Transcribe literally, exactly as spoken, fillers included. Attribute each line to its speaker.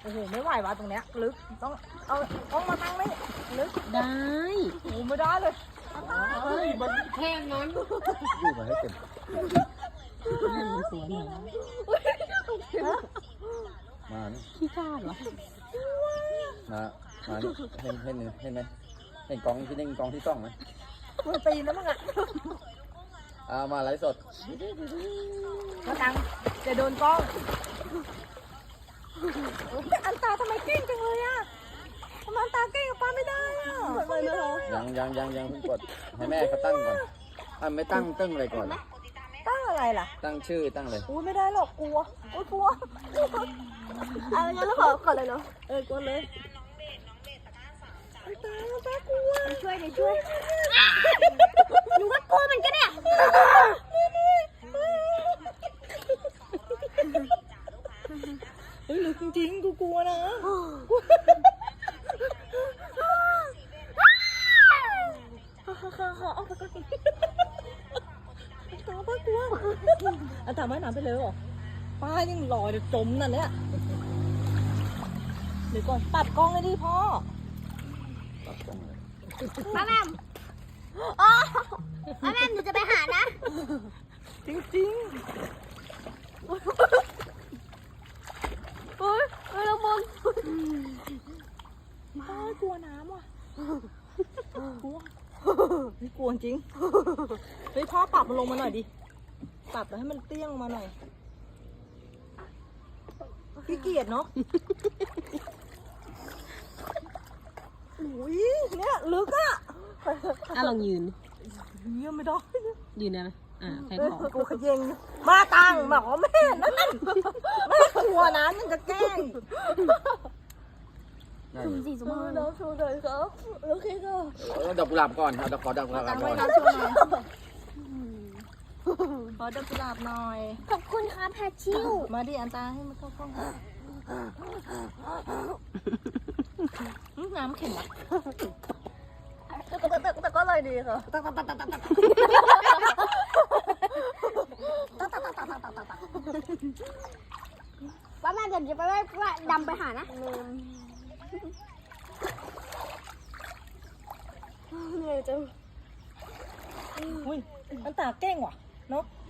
Speaker 1: โอ้โหไม่ไหววะตรงเนี้ยลึกต้องเอาต้องมาตั้งนี่ลึก
Speaker 2: ได้
Speaker 1: โอ้ไม่ได้เลย
Speaker 3: เฮ้ยมันแค่นั้น
Speaker 4: อยู่มาให้เต็ม
Speaker 2: นั่นมันสวนเหรอ
Speaker 4: มานี่
Speaker 2: ขี้กล้าเหรอ
Speaker 4: มามานี่เห็นเห็นเห็นไหมเห็นกองที่เด้งกองที่ต้องไหม
Speaker 1: มันตีนะมึงอ่ะ
Speaker 4: เอามาไลฟ์สด
Speaker 1: มาตังจะโดนกล้องอันตาทำไมเก่งจังเลยอ่ะทำไมอันตาเก่งกับป้าไม่ได้อ่ะไม่ได้
Speaker 4: ยังยังยังยังเพิ่งกดให้แม่เขาตั้งก่อนอ่ะไม่ตั้งตั้งอะไรก่อน
Speaker 1: ตั้งอะไรล่ะ
Speaker 4: ตั้งชื่อตั้งเลย
Speaker 1: อุ้ยไม่ได้หรอกกลัวอุ้ยกลัวเอางั้นเราขอขอเลยเนาะเออกดเลยอันตาอันตากลัวช่วยดิช่วยหนูก็กลัวเหมือนกันเนี่ยเฮ้ยหรือจริงๆกูกลัวนะเอาไปก่อนตาป้ากลัวอันตาไม่น้ำไปเลยหรอป้ายังลอยจะจมนั่นเนี่ยเดี๋ยวก่อนปัดกล้องเลยดิพ่อ
Speaker 4: ตัดกล้องเลย
Speaker 5: ป้าแม่มอ๋อป้าแม่มหนูจะไปหานะ
Speaker 1: จริงๆเฮ้ยเฮ้ยเรามองป้ากลัวน้ำว่ะกลัวไม่กลัวจริงเฮ้ยพ่อปรับมันลงมาหน่อยดิปรับแล้วให้มันเตี้ยงลงมาหน่อยขี้เกียจเนาะอุ้ยเนี่ยลึกอะ
Speaker 2: อ่ะลองยืน
Speaker 1: เยี่ยมไม่ได้
Speaker 2: ยืนได้ไหมอ่าแค่ขอ
Speaker 1: กูขยงมาตังบอกว่าแม่นั่นนั่นแม่กลัวนะนั่นจะแกล้ง
Speaker 4: นั่น
Speaker 5: สีสมบูรณ์
Speaker 1: น้องชูเลยครับโอเคก็
Speaker 4: เอาดอกกุหลาบก่อนเอาดอกขอดอกกุหลาบ
Speaker 1: ตัง
Speaker 4: ก่
Speaker 1: ไว้
Speaker 4: อน
Speaker 1: น้องชูหน่อยขอดอกกุหลาบหน่อย
Speaker 5: ขอบคุณครับแพทชิว
Speaker 1: มาดิอันตาให้มันเข้ากล้องน้ำเข็มอ่ะแต่แต่ก็เลยดีค่ะ
Speaker 5: ป้าแม่เดี๋ยวจะไปว่าดำไปหานะเหนื่อยจัง
Speaker 1: อุ้ยอันตาเก่งว่ะเนาะ